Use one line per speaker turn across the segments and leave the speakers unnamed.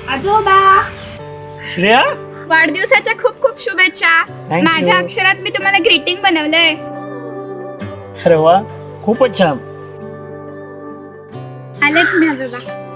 आजोबा
श्रेया,
वाढदिवसाच्या खूप खूप शुभेच्छा.
you.
माझ्या अक्षरात मी तुम्हाला ग्रीटिंग बनवलंय.
अरे वा, खूपच छान.
आलेच मी आजोबा.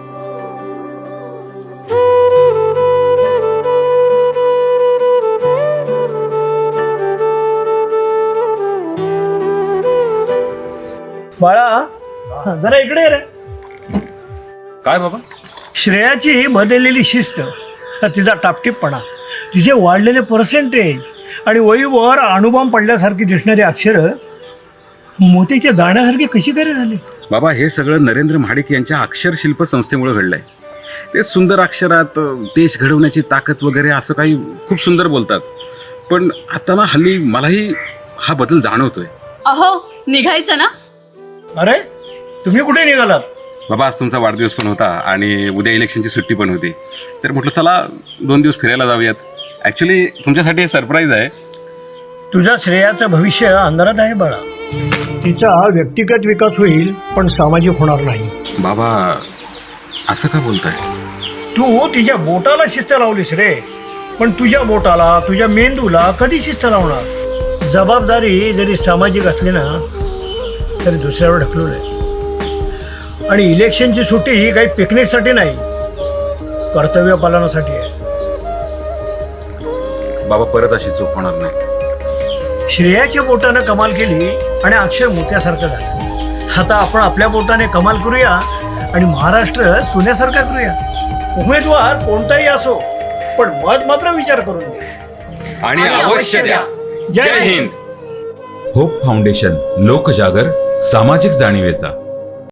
बाळा, जरा इकडे ये रे.
काय बाबा?
श्रेयाची बदललेली शिस्त, तिचा टापटीपणा, तिचे वाढलेले पर्सेंटेज आणि वहीवर अणुबॉम्ब पडल्यासारखी दिसणारी अक्षरं मोतीच्या दाण्यासारखी कशी काय झाली?
बाबा, हे सगळं नरेंद्र महाडिक यांच्या अक्षरशिल्प संस्थेमुळे घडलंय. ते सुंदर अक्षरात देश घडवण्याची ताकद वगैरे असं काही खूप सुंदर बोलतात. पण आता ना हल्ली मलाही हा बदल जाणवतोय.
अहो, निघायचं ना?
अरे, तुम्ही कुठे निघालात?
बाबा, आज तुमचा वाढदिवस पण होता आणि उद्या इलेक्शनची सुट्टी पण होती, तर म्हटलं चला 2 दिवस फिरायला जाऊयात. ॲक्च्युली तुमच्यासाठी हे सरप्राईज आहे.
तुझ्या श्रेयाचं भविष्य अंधारात आहे बाळा. तिचा व्यक्तिगत विकास होईल पण सामाजिक होणार नाही.
बाबा, असं का बोलताय?
तू तिच्या बोटाला शिस्त लावलीस रे, पण तुझ्या बोटाला, तुझ्या मेंदूला कधी शिस्त लावणार? जबाबदारी जरी सामाजिक असली ना तरी दुसऱ्यावर ढकलवलंय. आणि इलेक्शनची सुट्टी ही काही पिकनिकसाठी नाही, कर्तव्य पालनासाठी आहे.
बाबा, परत अशी चूक होणार नाही.
श्रेयाच्या बोटानं कमाल केली आणि अक्षर मोत्यासारखं झालं. आता आपण आपल्या बोटाने कमाल करूया आणि महाराष्ट्र सोन्यासारखा करूया. उमेदवार कोणताही असो, पण मत मात्र विचार करून द्या
आणि अवश्य द्या. जय हिंद.
होप फाउंडेशन, लोकजागर, सामाजिक जाणीवेचा.